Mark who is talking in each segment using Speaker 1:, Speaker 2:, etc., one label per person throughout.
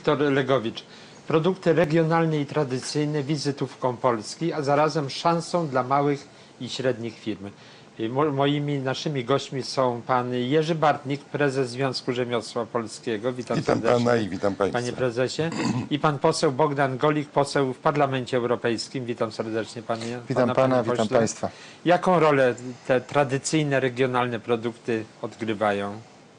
Speaker 1: Wiktor Legowicz. Produkty regionalne i tradycyjne wizytówką Polski, a zarazem szansą dla małych i średnich firm. Naszymi gośćmi są pan Jerzy Bartnik, prezes Związku Rzemiosła Polskiego.
Speaker 2: Witam pana i witam państwa.
Speaker 1: Panie prezesie. I pan poseł Bogdan Golik, poseł w Parlamencie Europejskim. Witam serdecznie panie.
Speaker 2: Witam pana, witam państwa.
Speaker 1: Jaką rolę te tradycyjne, regionalne produkty odgrywają?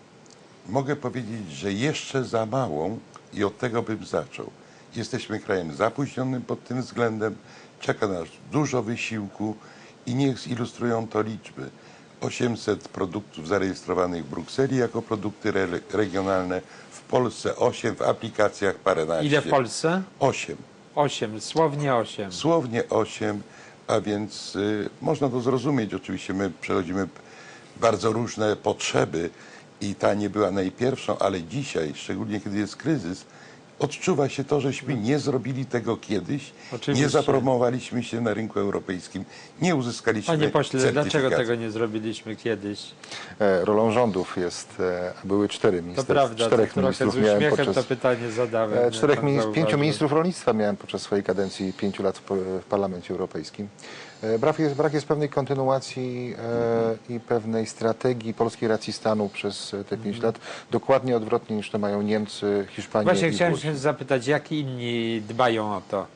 Speaker 2: Mogę powiedzieć, że jeszcze za małą i od tego bym zaczął. Jesteśmy krajem zapóźnionym pod tym względem, czeka nas dużo wysiłku i niech zilustrują to liczby. 800 produktów zarejestrowanych w Brukseli jako produkty regionalne, w Polsce 8, w aplikacjach paręnaście.
Speaker 1: Ile w Polsce?
Speaker 2: 8.
Speaker 1: 8, słownie 8.
Speaker 2: Słownie 8, a więc można to zrozumieć. Oczywiście my przechodzimy bardzo różne potrzeby i ta nie była najpierwszą, ale dzisiaj, szczególnie kiedy jest kryzys, odczuwa się to, żeśmy nie zrobili tego kiedyś, nie zapromowaliśmy się na rynku europejskim, nie uzyskaliśmy
Speaker 1: Panie pośle,
Speaker 2: certyfikacji.
Speaker 1: dlaczego tego nie zrobiliśmy kiedyś?
Speaker 3: Rolą rządów jest, były 4 ministrów.
Speaker 1: To prawda,
Speaker 3: 4
Speaker 1: to
Speaker 3: ministrów
Speaker 1: z uśmiechem to pytanie zadałem.
Speaker 3: 5 ministrów rolnictwa miałem podczas swojej kadencji 5 lat w Parlamencie Europejskim. Brak jest pewnej kontynuacji i pewnej strategii polskiej racji stanu przez te 5 lat. Dokładnie odwrotnie niż to mają Niemcy, Hiszpania
Speaker 1: Właśnie
Speaker 3: i
Speaker 1: chciałem
Speaker 3: Włochy.
Speaker 1: się zapytać, jak inni dbają o to?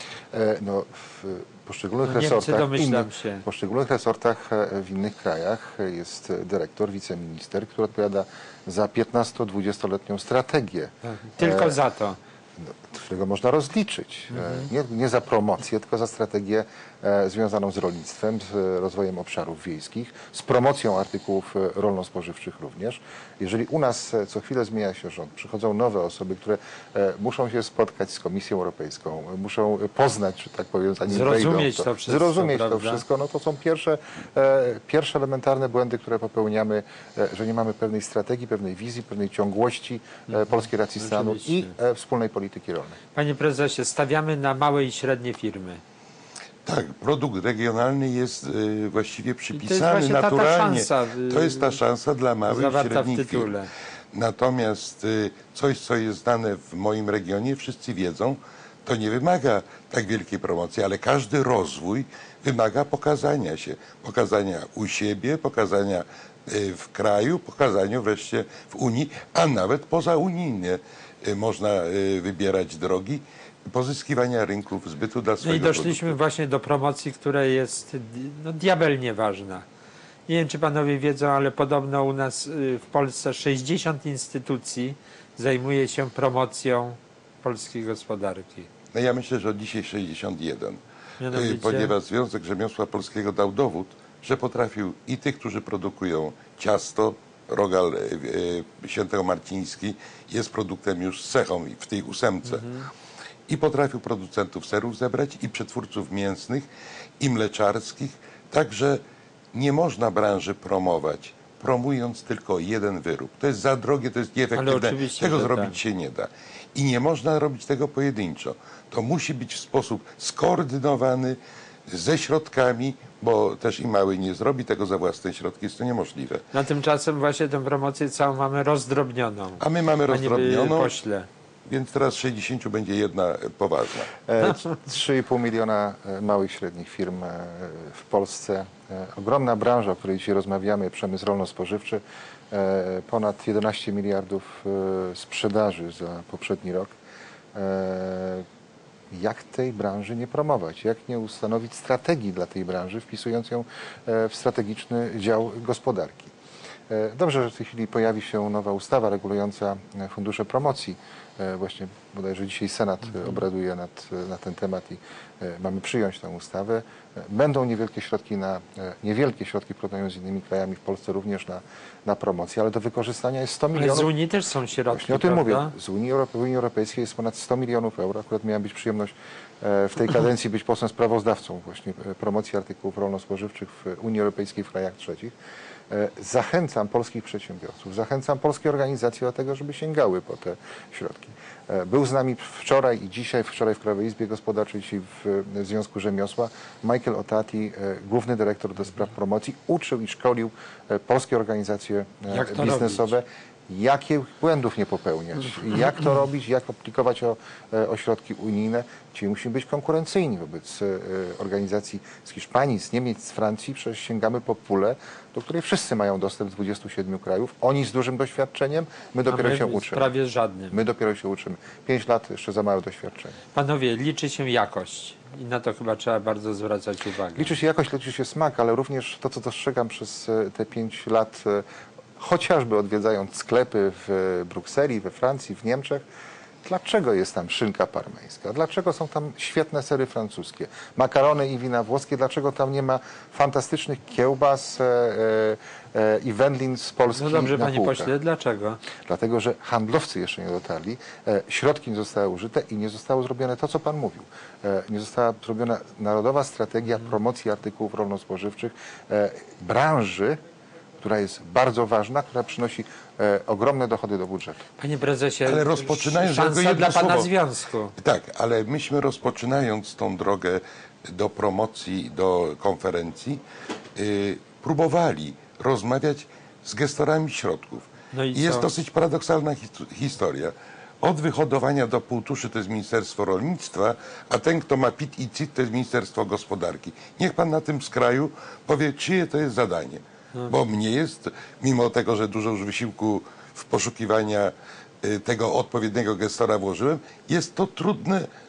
Speaker 3: No, w poszczególnych poszczególnych resortach w innych krajach jest dyrektor, wiceminister, który odpowiada za 15-20-letnią strategię.
Speaker 1: Tylko za to.
Speaker 3: Którego można rozliczyć. Nie za promocję, tylko za strategię związaną z rolnictwem, z rozwojem obszarów wiejskich, z promocją artykułów rolno-spożywczych również. Jeżeli u nas co chwilę zmienia się rząd, przychodzą nowe osoby, które muszą się spotkać z Komisją Europejską, muszą poznać, że tak powiem, zanim
Speaker 1: zrozumieć
Speaker 3: wejdą,
Speaker 1: zrozumieć
Speaker 3: to wszystko, no to są pierwsze elementarne błędy, które popełniamy, że nie mamy pewnej strategii, pewnej wizji, pewnej ciągłości polskiej racji stanu i wspólnej polityki rolnej.
Speaker 1: Panie prezesie, stawiamy na małe i średnie firmy.
Speaker 2: Tak, produkt regionalny jest właściwie przypisany naturalnie. To jest ta szansa dla małych i średnich firm. Natomiast coś, co jest znane w moim regionie, wszyscy wiedzą, to nie wymaga tak wielkiej promocji, ale każdy rozwój wymaga pokazania się. Pokazania u siebie, pokazania w kraju, pokazania wreszcie w Unii, a nawet pozaunijnie można wybierać drogi pozyskiwania rynków zbytu dla swojego
Speaker 1: No i doszliśmy właśnie do promocji, która jest diabelnie ważna. Nie wiem, czy panowie wiedzą, ale podobno u nas w Polsce 60 instytucji zajmuje się promocją polskiej gospodarki.
Speaker 2: No ja myślę, że od dzisiaj 61.
Speaker 1: Mianowicie?
Speaker 2: Ponieważ Związek Rzemiosła Polskiego dał dowód, że potrafił i tych, którzy produkują ciasto, rogal świętomarciński jest produktem już z cechą w tej 8. I potrafił producentów serów zebrać i przetwórców mięsnych i mleczarskich. Także nie można branży promować, promując tylko jeden wyrób. To jest za drogie, to jest nieefektywne. Tego zrobić się nie da. I nie można robić tego pojedynczo. To musi być w sposób skoordynowany, ze środkami, bo też i mały nie zrobi tego za własne środki, jest to niemożliwe.
Speaker 1: Na tymczasem właśnie tę promocję całą mamy rozdrobnioną.
Speaker 2: A my mamy rozdrobnioną,
Speaker 1: pośle.
Speaker 2: Więc teraz 60 będzie jedna poważna.
Speaker 3: 3,5 miliona małych i średnich firm w Polsce. Ogromna branża, o której dzisiaj rozmawiamy, przemysł rolno-spożywczy. Ponad 11 miliardów sprzedaży za poprzedni rok. Jak tej branży nie promować? Jak nie ustanowić strategii dla tej branży, wpisując ją w strategiczny dział gospodarki? Dobrze, że w tej chwili pojawi się nowa ustawa regulująca fundusze promocji. Właśnie bodajże dzisiaj Senat obraduje na ten temat i mamy przyjąć tę ustawę. Będą niewielkie środki w porównaniu z innymi krajami, w Polsce również na promocję, ale do wykorzystania jest 100 milionów.
Speaker 1: Ale z Unii też są środki,
Speaker 3: właśnie o tym mówię. Z Unii Europejskiej jest ponad 100 milionów euro. Akurat miałem być przyjemność w tej kadencji być posłem sprawozdawcą właśnie promocji artykułów rolno-spożywczych w Unii Europejskiej w krajach trzecich. Zachęcam polskich przedsiębiorców, zachęcam polskie organizacje do tego, żeby sięgały po te środki. Był z nami wczoraj i dzisiaj, wczoraj w Krajowej Izbie Gospodarczej, dzisiaj w Związku Rzemiosła, Michael Otati, główny dyrektor do spraw promocji, uczył i szkolił polskie organizacje biznesowe, jakich błędów nie popełniać, jak to robić, jak aplikować o środki unijne. Czyli musimy być konkurencyjni wobec organizacji z Hiszpanii, z Niemiec, z Francji. Przecież sięgamy po pulę, do której wszyscy mają dostęp z 27 krajów. Oni z dużym doświadczeniem, my dopiero się uczymy.
Speaker 1: Prawie żadnym.
Speaker 3: My dopiero się uczymy. 5 lat jeszcze za małe doświadczenie.
Speaker 1: Panowie, liczy się jakość i na to chyba trzeba bardzo zwracać uwagę.
Speaker 3: Liczy się jakość, liczy się smak, ale również to, co dostrzegam przez te 5 lat, chociażby odwiedzając sklepy w Brukseli, we Francji, w Niemczech, dlaczego jest tam szynka parmeńska? Dlaczego są tam świetne sery francuskie? Makarony i wina włoskie? Dlaczego tam nie ma fantastycznych kiełbas i wędlin z Polski
Speaker 1: No dobrze,
Speaker 3: na
Speaker 1: panie
Speaker 3: półkach?
Speaker 1: pośle, dlaczego?
Speaker 3: Dlatego, że handlowcy jeszcze nie dotarli, środki nie zostały użyte i nie zostało zrobione to, co pan mówił. Nie została zrobiona narodowa strategia promocji artykułów rolno-spożywczych, branży, która jest bardzo ważna, która przynosi ogromne dochody do budżetu.
Speaker 1: Panie prezesie,
Speaker 2: Ale rozpoczynając, tylko
Speaker 1: szansa
Speaker 2: jedno
Speaker 1: dla pana
Speaker 2: słowo.
Speaker 1: związku.
Speaker 2: Tak, ale myśmy rozpoczynając tą drogę do promocji, do konferencji, próbowali rozmawiać z gestorami środków.
Speaker 1: No i
Speaker 2: I jest
Speaker 1: co?
Speaker 2: dosyć paradoksalna historia. Od wyhodowania do półtuszy to jest Ministerstwo Rolnictwa, a ten, kto ma PIT i CIT, to jest Ministerstwo Gospodarki. Niech pan na tym skraju powie, czyje to jest zadanie. Bo mnie jest, mimo tego, że dużo już wysiłku w poszukiwania tego odpowiedniego gestora włożyłem, jest to trudne